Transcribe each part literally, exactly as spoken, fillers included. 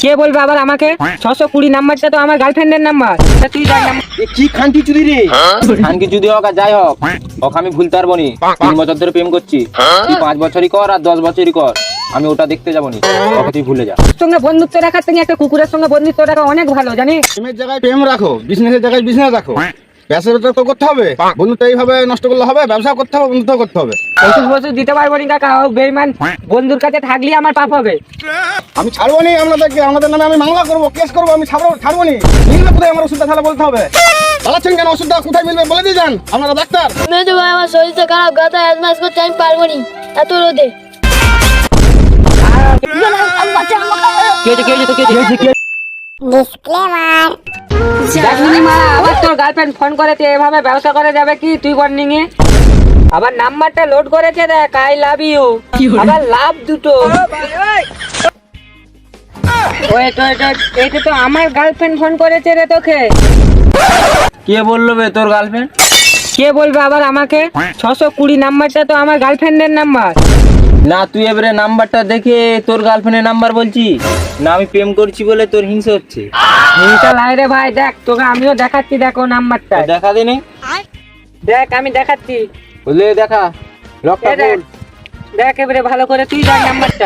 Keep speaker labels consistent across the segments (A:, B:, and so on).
A: কে বলবে আবার আমাকে? ছশো কুড়ি নাম্বারটা তো আমার গার্লফ্রেন্ডের নাম্বার। তুই যার নাম্বার
B: কি খানকি চুদি রে? খানকি চুদি হোক আর যাই হোক, ওকে আমি ভুলতে পারবো নি। তিন বছর ধরে প্রেম করছি, তুই পাঁচ বছরই কর আর দশ বছরই কর, আমি ওটা দেখতে যাবো নি। ওকে তুই ভুলে যা।
A: সঙ্গে বন্ধুত্ব রাখার থেকে একটা কুকুরের সঙ্গে বন্ধুত্ব রাখা অনেক ভালো, জানিস?
C: প্রেমের জায়গায় প্রেম রাখো, বিজনেসের জায়গায় বিজনেস রাখো। ব্যবসাটা তো করতে হবে, বন্ধুত্ব এইভাবে নষ্ট করলে হবে? ব্যবসা করতে হবে, বন্ধুত্ব করতে হবে।
A: ওষুধ ফষুধ দিতে পারবো নি কাকা, ও বেইমান বন্ধুর কাছে থাকলে আমার পাপ হবে।
C: আমি ছাড়বো নি আপনাদেরকে, আমাদের নামে আমি মামলা করবো, কেস করবো, আমি ছাড়বো ছাড়বো নি। মিলবে কোথায় আমার ওষুধটা তাহলে বলতে হবে। পালাচ্ছেন কেন? ওষুধটা কোথায় মিলবে বলে দিয়ে যান, আপনারা ডাক্তার।
D: মেজো ভাই আমার শরীরটা খারাপ, গাতা অ্যাজমাস করতে আমি পারবো নি এত রোদে।
A: দেখলি মা, আবার তোর গার্লফ্রেন্ড ফোন করেছে, এভাবে ব্যবসা করা যাবে কি? তুই ওয়ার্নিং এ আবার নাম্বারটা লোড করেছে, দেখ আই লাভ ইউ, আবার লাভ দুটো। ওয়েট ওয়েট ওয়েট, এইটা তো আমার গার্লফ্রেন্ড ফোন করেছে রে তোকে।
B: কে বললো বে তোর গার্লফ্রেন্ড?
A: কে বলবে আবার আমাকে? ছশো কুড়ি নাম্বারটা তো আমার গার্লফ্রেন্ডের নাম্বার।
B: না তুই এবারে নাম্বারটা দেখে তোর গার্লফ্রেন্ডের নাম্বার বলছি না, আমি প্রেম করছি বলে তোর হিংসা হচ্ছে।
A: হিংসা লাই রে ভাই, দেখ তোকে আমিও দেখাচ্ছি, দেখো নাম্বারটা
B: দেখা দিনি,
A: দেখ আমি দেখাচ্ছি।
B: বলে দেখা লকটা
A: এই দেখ,
B: খোল।
A: দেখ এবারে ভালো করে তুই দেখ নাম্বারটা।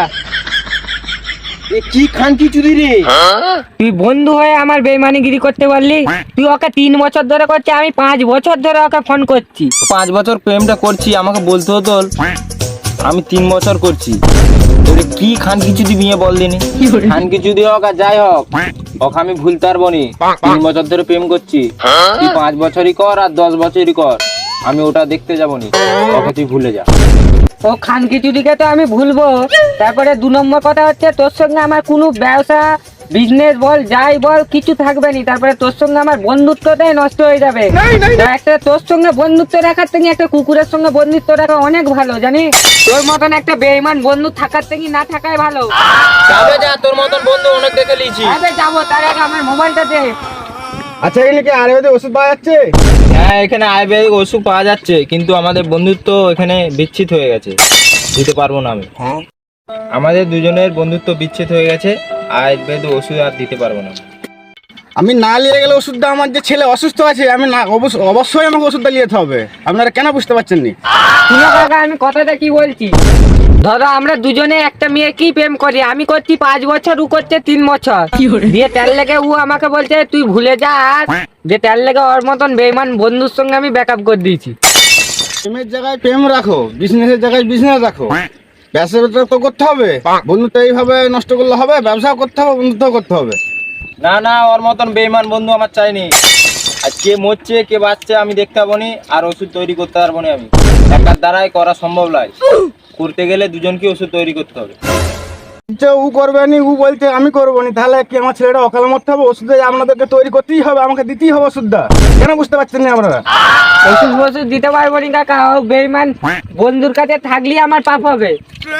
B: এ কি খানকি চুদি রে?
A: তুই বন্ধু হয়ে আমার বেইমানিগিরি করতে পারলি? তুই ওকে তিন বছর ধরে করছিস, আমি পাঁচ বছর ধরে ওকে ফোন করছি।
B: পাঁচ বছর প্রেমটা করছি, আমাকে বলতে হতো আমি তিন বছর করছি। তোরে কি খানকি চুদি বিয়ে বল দিনি। খানকি চুদি হোক আর যাই হোক, ওকে আমি ভুলতে পারবো নি। তিন বছর ধরে প্রেম করছি, তুই পাঁচ বছরই কর আর দশ বছরই কর, আমি ওটা দেখতে যাবো নি। ওকে তুই ভুলে যা।
A: ও খানকি চুদিকে তো আমি ভুলবো, তারপরে দু নম্বর কথা হচ্ছে তোর সঙ্গে আমার কোনো ব্যবসা বিজনেস বল যাই বল কিছু থাকবে না। তারপরে তোর সঙ্গে আমার বন্ধুত্বটাই নষ্ট হয়ে যাবে। একটা তোর সঙ্গে বন্ধুত্ব রাখার থেকে একটা কুকুরের সঙ্গে বন্ধুত্ব রাখা অনেক ভালো, জানিস? তোর মতন একটা বেঈমান বন্ধু থাকার থেকে না থাকাই ভালো।
B: যাবে যা, তোর মতন বন্ধু অনেক দেখে লিয়েছি।
A: আরে যাবো, তার আগে আমার মোবাইলটা দে।
C: আচ্ছা, এখানে কি আয়ুর্বেদিক ওষুধ পাওয়া যাচ্ছে?
B: হ্যাঁ, এখানে আয়ুর্বেদিক ওষুধ পাওয়া যাচ্ছে, কিন্তু আমাদের বন্ধুত্ব এখানে বিচ্ছিত হয়ে গেছে, দিতে পারবো না আমি। আমাদের দুজনের বন্ধুত্ব বিচ্ছেদ হয়ে গেছে, আয়ুর্বেদিক ওষুধ আর দিতে পারবো না।
C: আমি না নিয়ে গেলে ওষুধটা, আমার যে ছেলে অসুস্থ আছে, আমি না অবশ্য- অবশ্যই আমাকে ওষুধটা নিয়ে যেতে হবে। আপনারা কেন বুঝতে পারছেন নি?
A: শুনো কাকা, আমি কথাটা কি বলছি। ধরো আমরা দুজনে একটা মেয়ে কি প্রেম করি, আমি করছি পাঁচ বছর, ও করছে তিন বছর। দিয়ে তার লেগে ও আমাকে বলছে তুই ভুলে যা, আর যে তার লেগে ওর মতন বেঈমান বন্ধুর সঙ্গে আমি ব্যাকআপ করে দিয়েছি।
C: প্রেমের জায়গায় প্রেম রাখো, বিজনেসের জায়গায় বিজনেস রাখো। ব্যবসাটা তো করতে হবে, বন্ধুত্ব এইভাবে নষ্ট করলে হবে? ব্যবসা করতে হবে, বন্ধুত্ব করতে হবে।
B: না না, ওর মতন বেঈমান বন্ধু আমার চাইনি। আর কে মরছে কে বাঁচছে আমি দেখতে পাবো নি, আর ওষুধ তৈরি করতে পারবো না আমি। একার দ্বারাই করা সম্ভব নয়, করতে গেলে দুজনকে ওষুধ তৈরি করতে হবে।
C: যে ও করবে নি, ও বলছে আমি করবো নি, তাহলে কি আমার ছেলেটা অকালে মরতে হবে? ওষুধ আপনাদেরকে তৈরি করতেই হবে, আমাকে দিতেই হবে ওষুধটা। কেন বুঝতে পারছেন না আপনারা?
A: ওষুধ ফষুধ দিতে পারবো নি কাকা, ও বেঈমান বন্ধুর কাছে থাকলে আমার পাপ হবে।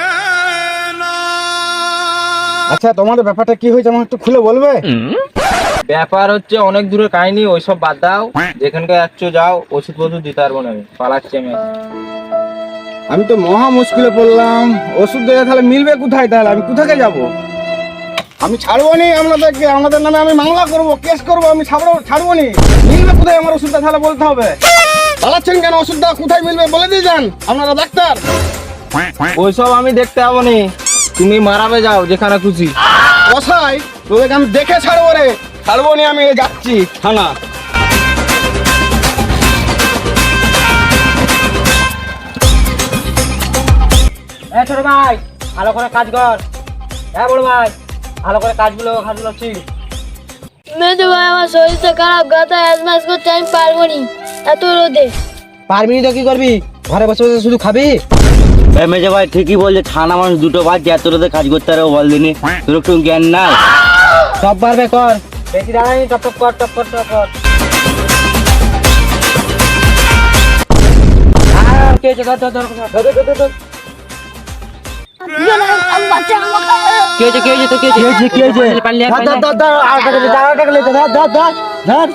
C: আচ্ছা, তোমাদের ব্যাপারটা কি হয়েছে আমাকে একটু খুলে বলবে?
B: ব্যাপার হচ্ছে অনেক দূরের কাহিনী, ওইসব বাদ দাও। যেখানকে যাচ্ছ যাও, ওষুধ ফষুধ দিতে পারবো না আমি, পালাচ্ছি আমি।
C: আমি তো মহা মুশকিলে পড়লাম, ওষুধ দেওয়া তাহলে মিলবে কোথায়? তাহলে আমি কোথাকে যাব? আমি ছাড়বো নি আপনাদেরকে, আমাদের নামে আমি মামলা করবো, কেস করবো, আমি ছাড়বো ছাড়বো নি। মিলবে কোথায় আমার ওষুধটা তাহলে বলতে হবে। পালাচ্ছেন কেন? ওষুধটা কোথায় মিলবে বলে দিয়ে যান, আপনারা ডাক্তার।
B: ওইসব আমি দেখতে পাবো নি, তুমি মারাবে যাও যেখানে খুশি।
C: বসাই তোদেরকে আমি দেখে ছাড়বো রে, ছাড়বো নি আমি, যাচ্ছি থানা।
A: এ ছোট ভাই, ভালো করে কাজ কর। হ্যাঁ বড় ভাই, ভালো করে কাজগুলো কাজগুলো ঠিক।
D: মেজো ভাই আমার শরীরটা খারাপ, গাতা অ্যাজমাস করতে আমি পারবো নি এত রোদে।
E: পারবি তো কি করবি? ঘরে বসে বসে শুধু খাবি? মেজে ভাই ঠিকই বলছে, ঠান্ডা মানুষ দুটো বাজছে, এত রাতে কাজ করতে পারবো বল দিনি? তোর একটু জ্ঞান নাই? সব পারবে, কর।
A: বেশি দাঁড়ানি, টপ টপ কর, টপ কর, টপ কর। আর কে আছে? ধর ধর ধর ধর ধর ধর ধর।
E: কে হয়েছে কে হয়েছে তো কে হয়েছে কে হয়েছে?
A: পারলে
E: ধর ধর ধর ধর, আর টাকা দে, আর টাকা দে, ধর ধর ধর ধর।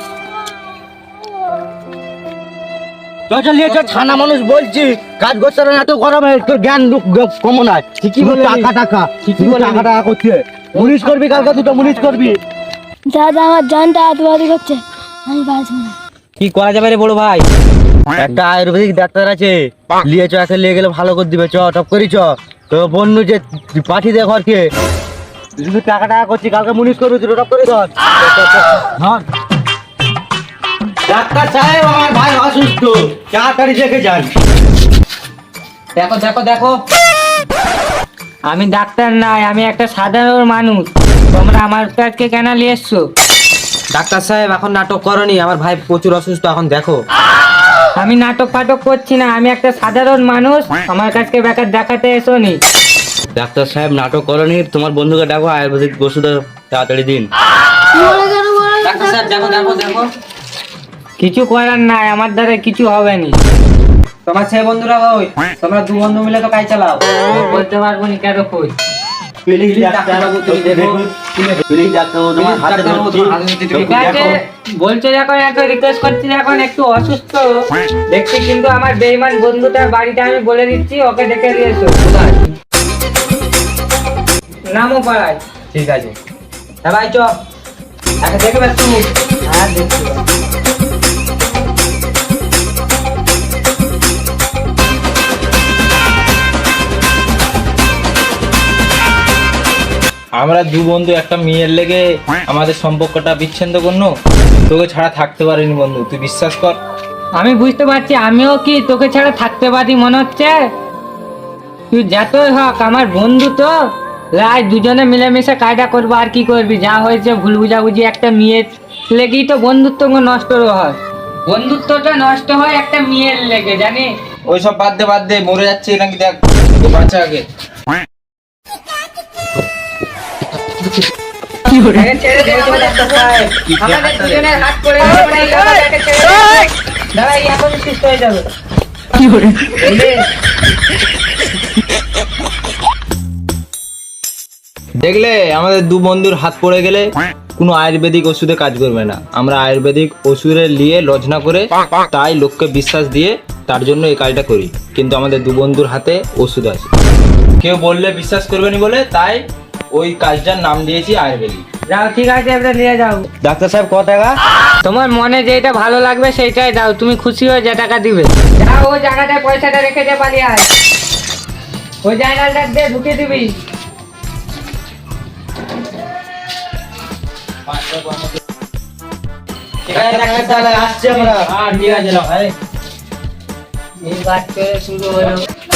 E: চল চল নিয়ে চল, ঠান্ডা মানুষ বলছি, কাজ করতে পারে না, এত গরমে তোর জ্ঞান কমন হয়। ঠিকই বলে টাকা টাকা, ঠিকই বলে টাকা টাকা করছে। মুনিশ করবি কালকে দুটো মুনিশ করবি।
D: দাদা আমার জানটা আদবাদি করছে, আমি বাঁচবো না।
E: কি করা যাবে রে বড় ভাই? একটা আয়ুর্বেদিক ডাক্তার আছে, লিয়ে চ, একে লিয়ে গেলে ভালো করে দিবে। চ টপ করি চ। তো বন্ধু যে পাঠিয়ে দে ঘরকে, শুধু টাকা টাকা করছি, কালকে মুনিশ করবি দুটো টপ করে ধর। ধর। ডাক্তার সাহেব আমার ভাই অসুস্থ, তাড়াতাড়ি দেখে যান।
A: দেখো দেখো দেখো, আমি ডাক্তার নাই, আমি একটা সাধারণ মানুষ। তোমরা আমার কাছে কেন নিয়ে এসছো?
E: ডাক্তার সাহেব এখন নাটক করনি, আমার ভাই প্রচুর অসুস্থ, এখন দেখো।
A: আমি নাটক ফাটক করছি না, আমি একটা সাধারণ মানুষ, আমার কাছে বেকার দেখাতে এসো নি।
E: ডাক্তার সাহেব নাটক করনি, তোমার বন্ধুকে ডাকো, আয়ুর্বেদিক ওষুধ তাড়াতাড়ি দিন।
D: মরে গেল, মরে গেল।
E: ডাক্তার সাহেব দেখো দেখো দেখো।
A: কিছু করার নাই, আমার দ্বারা কিছু হবে না।
E: তোমার ছেলে বন্ধুরা ওই, তোমরা দু বন্ধু মিলে তো কাজ চালাও।
A: বলতে পারবো না কেন কই।
E: প্লিজ ডাক্তারবাবু তুমি দেখো, প্লিজ ডাক্তারবাবু তোমার হাতে ধরছি।
A: ঠিক আছে, বলছো যখন এত রিকোয়েস্ট করছি, এখন একটু অসুস্থ দেখছি, কিন্তু আমার বেইমান বন্ধুটার বাড়িটা আমি বলে দিচ্ছি, ওকে ডেকে দিয়েছো। কোথায়? নামও পাড়ায়।
E: ঠিক আছে, হ্যাঁ ভাই চ, একে দেখবে তুমি।
A: হ্যাঁ দেখছি।
B: আমরা দু বন্ধু একটা মেয়ের লেগে আমাদের সম্পর্কটা বিচ্ছিন্ন করলো, তোকে ছাড়া থাকতে পারিনি বন্ধু, তুই বিশ্বাস কর।
A: আমি বুঝতে পারছি, আমিও কি তোকে ছাড়া থাকতে পারি মনে হচ্ছে? তুই যতই হোক আমার বন্ধু, তো রাত দুজনে মিলেমিশে কায়দা করবো, আর কি করবি? যা হয়েছে ভুল বুঝাবুঝি, একটা মেয়ের লেগেই তো বন্ধুত্ব নষ্ট হয়। বন্ধুত্বটা নষ্ট হয় একটা মেয়ের লেগে, জানি।
B: ওইসব বাদ দে বাদ দে, মরে যাচ্ছে নাকি দেখ, তো বাঁচা আগে।
A: আগে ছেড়ে দে, আমাদের আমাদের দুজনের হাত করে দাঁড়া, এই এখন সুস্থ হয়ে যাবে। বুঝলি?
B: দেখলে আমাদের দু বন্ধুর হাত পড়ে গেলে কোনো আয়ুর্বেদিক ওষুধে কাজ করবে না। আমরা আয়ুর্বেদিক ওষুধে নিয়ে লজনা করে, তাই লোককে বিশ্বাস দিয়ে তার জন্য এই কাজটা করি, কিন্তু আমাদের দু বন্ধুর হাতে ওষুধ আছে, কেউ বললে বিশ্বাস করবে না বলে তাই ওই কাজটার নাম দিয়েছি আয়ুর্বেদিক।
A: যাও, ঠিক আছে, এবার নিয়ে যাও।
E: ডাক্তার সাহেব কত টাকা?
A: তোমার মনে যেটা ভালো লাগবে সেইটাই দাও, তুমি খুশি হয়ে যে টাকা দিবে। যাও, ওই জায়গাটায় পয়সাটা রেখে দে, পালিয়ে আয়। ওই জায়গাটা দিয়ে ঢুকে দিবি।
E: ঠিক আছে ডাক্তার সাহেব, আসছি আমরা।
B: হ্যাঁ ঠিক আছে, নাও, এই।
A: এই বাদ করে শুরু হলো।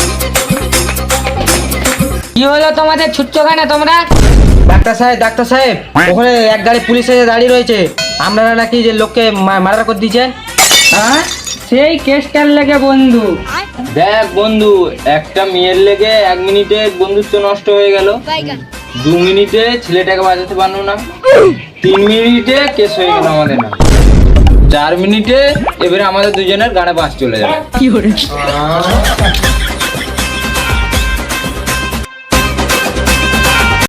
A: কি হলো তোমাদের, ছুটছো কেন তোমরা?
E: ডাক্তার সাহেব ডাক্তার সাহেব ওখানে এক গাড়ি পুলিশ এসে দাঁড়িয়ে রয়েছে, আপনারা নাকি যে লোককে মার্ডার করে দিয়েছেন।
A: হ্যাঁ, সেই কেসটার লেগে বন্ধু।
B: দেখ বন্ধু, একটা মেয়ের লেগে এক মিনিটে বন্ধুত্ব নষ্ট হয়ে গেল, দু মিনিটে ছেলেটাকে বাঁচাতে পারলো না, তিন মিনিটে কেস হয়ে গেল আমাদের না, চার মিনিটে এবারে আমাদের দুজনের গানে বাস চলে যাবে।